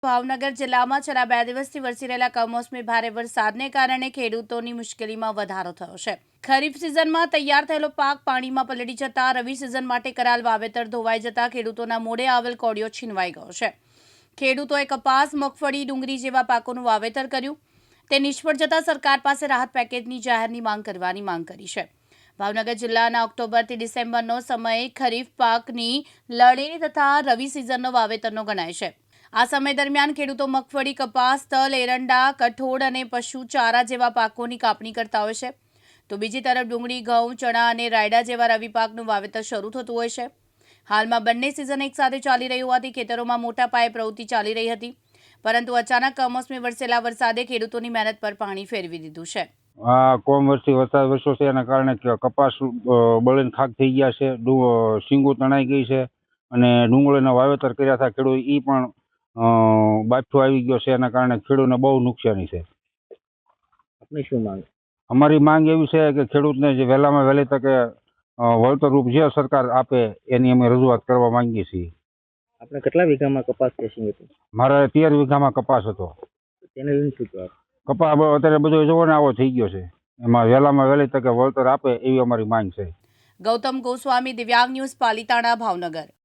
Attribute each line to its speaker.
Speaker 1: ભાવનગર જિલ્લામાં છેલ્લા 2 દિવસથી વરસી રહેલા કમોસમી ભારે વરસાદને કારણે ખેડૂતોની મુશ્કેલીમાં વધારો થયો છે। ખરીફ સિઝનમાં તૈયાર થયેલો પાક પાણીમાં પલળી જતા રવિ સિઝન માટે કરાયેલ વાવેતર ધોવાઈ જતા ખેડૂતોના મોઢે આવેલ કોળિયો છીનવાઈ ગયો છે। ખેડૂતોએ કપાસ, મગફળી, ડુંગળી જેવા પાકોનું વાવેતર કર્યું, તે નિષ્ફળ જતા સરકાર પાસે રાહત પેકેજની જાહેરની માંગ કરવાની માંગ કરી છે। ભાવનગર જિલ્લાના ઓક્ટોબરથી ડિસેમ્બરનો સમય ખરીફ પાકની લણણી તથા રવિ સિઝનનો વાવેતરનો ગણાય છે। આ સમય દરમિયાન ખેડૂતો મગફળી, કપાસ, તલ, એરંડા, કઠોળ અને પશુ ચારા જેવા પાકોની કાપણી કરતા હોય છે, તો બીજી તરફ ડુંગળી, ઘઉં, ચણા અને રાયડા જેવા રવિ પાકનું વાવેતર શરૂ થતું હોય છે। હાલમાં બંને સિઝન એકસાથે ચાલી રહી હોવાથી ખેતરોમાં મોટા પાયે પ્રવૃત્તિ ચાલી રહી હતી, પરંતુ અચાનક કમોસમી વરસેલા વરસાદે ખેડૂતોની મહેનત પર પાણી ફેરવી દીધું છે।
Speaker 2: આ કમોસમી વરસાદ વરસ્યો છે એના કારણે કપાસ બળીને ખાક થઈ ગયા છે, શીંગો તણાઈ ગઈ છે અને ડુંગળીના વાવેતર કર્યા હતા ખેડૂત એ પણ બાફો આવી ગયો છે। એના કારણે ખેડૂતને બહુ નુકસાની છે।
Speaker 3: આપની શું માંગ?
Speaker 2: અમારી માંગ એવી છે કે ખેડૂતને જે વહેલામાં વહેલી તકે વળતરરૂપ જે સરકાર આપે એની અમે રજૂઆત કરવા માંગીએ છીએ।
Speaker 3: આપણે કેટલા વીઘામાં કપાસ કેસિંગ હતું?
Speaker 2: મારે 13 વીઘામાં કપાસ હતો।
Speaker 3: તેને લઈને શું કહેવાય?
Speaker 2: કપાસ અત્યારે બધો જોવો ને આવો થઈ ગયો છે, એમાં વહેલામાં વહેલી તકે વળતર આપે એવી અમારી માંગ છે।
Speaker 1: ગૌતમ ગોસ્વામી, દિવ્યાંગ ન્યૂઝ, પાલિતાણા, ભાવનગર।